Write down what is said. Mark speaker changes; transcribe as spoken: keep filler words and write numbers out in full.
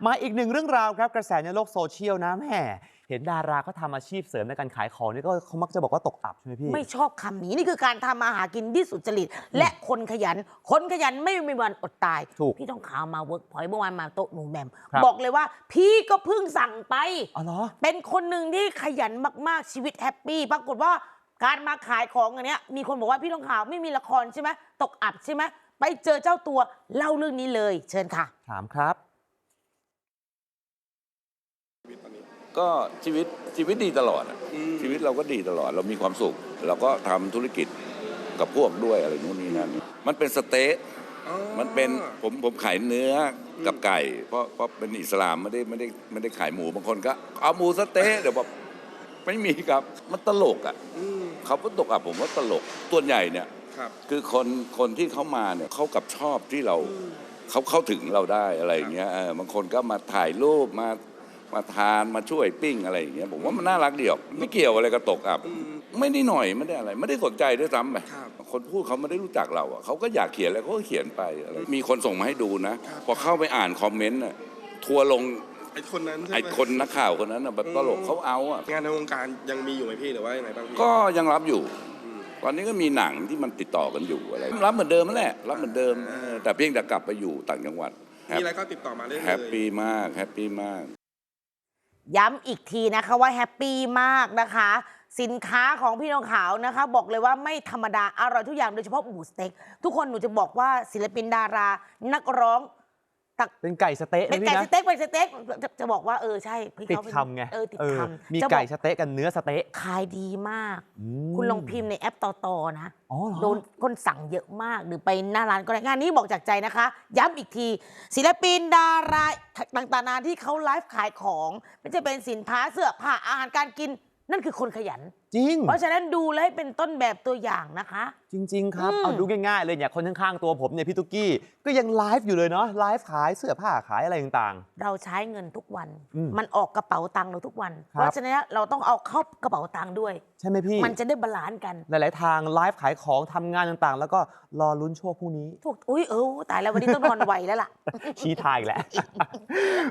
Speaker 1: มาอีกหนึ่งเรื่องราวครับกระแสในโลกโซเชียลนะแหมเห็นดาราเขาทำอาชีพเสริมในการขายของนี่ก็เขามักจะบอกว่าตกอับใช่ไหมพี่
Speaker 2: ไม่ชอบคำนี้นี่คือการทำมาหากินที่สุจริตและคนขยัน คนขยันไม่มีวันอดตายพี่ต้องข่าวมาเวิร์กพอยต์เมื่อวานมาโต๊ะหนูแหม่มบอกเลยว่าพี่ก็เพิ่งสั่งไป
Speaker 1: อ๋อเหรอ
Speaker 2: เป็นคนหนึ่งที่ขยันมากๆชีวิตแฮปปี้ปรากฏว่าการมาขายของอันเนี้ยมีคนบอกว่าพี่ต้องข่าวไม่มีละครใช่ไหมตกอับใช่ไหมไปเจอเจ้าตัวเล่าเรื่องนี้เลยเชิญค่ะ
Speaker 1: ถามครับ
Speaker 3: ก็ชีวิตชีวิตดีตลอดอะชีวิตเราก็ดีตลอดเรามีความสุขเราก็ทำธุรกิจกับพวกด้วยอะไรนู้นนี่นั่นมันเป็นสเต๊ะมันเป็นผมผมขายเนื้อกับไก่เพราะเพราะเป็นอิสลามไม่ได้ไม่ได้ไม่ได้ขายหมูบางคนก็เอาหมูสเต๊ะเดี๋ยวบอกไม่มีครับมันตลกอ่ะเขาก็ตกอ่ะผมว่าตลกตัวใหญ่เนี่ยคือคนคนที่เขามาเนี่ยเขากับชอบที่เราเขาเข้าถึงเราได้อะไรอย่างเงี้ยบางคนก็มาถ่ายรูปมามาทานมาช่วยปิ้งอะไรอย่างเงี้ยผมว่ามันน่ารักเดียวไม่เกี่ยวอะไรกับตกอับไม่ได้หน่อยไม่ได้อะไรไม่ได้สนใจด้วยซ้ำไปคนพูดเขาไม่ได้รู้จักเราอ่ะเขาก็อยากเขียนอะไรเขาก็เขียนไปอะไรมีคนส่งมาให้ดูนะพอเข้าไปอ่านคอมเมนต์น่ะทัวลง
Speaker 4: ไอ้คนนั้นใช่ไหม
Speaker 3: ไอ้คนนักข่าวคนนั้นแบบตลกเขาเอาอ่ะ
Speaker 4: งานในวงการยังมีอยู่ไหมพี่หรือว่ายังไงบ้างพี่
Speaker 3: ก็ยังรับอยู่ตอนนี้ก็มีหนังที่มันติดต่อกันอยู่อะไรรับเหมือนเดิมนั่นแหละรับเหมือนเดิมแต่เพียงแต่กลับไปอยู่ต่างจังหวัด
Speaker 4: มีอะไรก็ติดต่อมาเรื่อยๆ
Speaker 3: แฮปปี้มากแฮปปี้มาก
Speaker 2: ย้ำอีกทีนะคะว่าแฮปปี้มากนะคะสินค้าของพี่น้องขาวนะคะบอกเลยว่าไม่ธรรมดาอร่อยทุกอย่างโดยเฉพาะหมูสเต็กทุกคนหนูจะบอกว่าศิลปินดารานักร้อง
Speaker 1: เป็นไก่สเต๊ะ
Speaker 2: เป็นไก่สเต็กเป็นสเต็กจะจะบอกว่าเออใช่
Speaker 1: ติดคำไง
Speaker 2: เออติดคำ
Speaker 1: มีไก่สเต๊ะกันเนื้อสเต๊ะ
Speaker 2: ขายดีมากคุณลองพิมพ์ในแอปต่อๆนะโดนคนสั่งเยอะมากหรือไปหน้าร้านก็ได้งานนี้บอกจากใจนะคะย้ำอีกทีศิลปินดาราต่างๆนานาที่เขาไลฟ์ขายของไม่ใช่เป็นสินค้าเสื้อผ้าอาหารการกินนั่นคือคนขยัน
Speaker 1: จริง
Speaker 2: เพราะฉะนั้นดูแล้วให้เป็นต้นแบบตัวอย่างนะคะ
Speaker 1: จริงๆครับเอาดูง่ายๆเลยเนี่ยคนข้างๆตัวผมเนี่ยพี่ตุ๊กกี้ก็ยังไลฟ์อยู่เลยเนาะไลฟ์ขายเสื้อผ้าขายอะไรต่าง
Speaker 2: ๆเราใช้เงินทุกวันมันออกกระเป๋าตังค์เราทุกวันเพราะฉะนั้นเราต้องเอาเข้ากระเป๋าตังค์ด้วย
Speaker 1: ใช่ไหมพี่
Speaker 2: มันจะได้บาลานซ์กัน
Speaker 1: หลายๆทางไลฟ์ขายของทำงานต่างๆแล้วก็รอลุ้นโชคพรุ่งนี้
Speaker 2: ถูกอุ้ยเออตายแล้ววันนี้ต้องนอนไวแล้วล่ะ
Speaker 1: ชี้ทายอีกแล้ว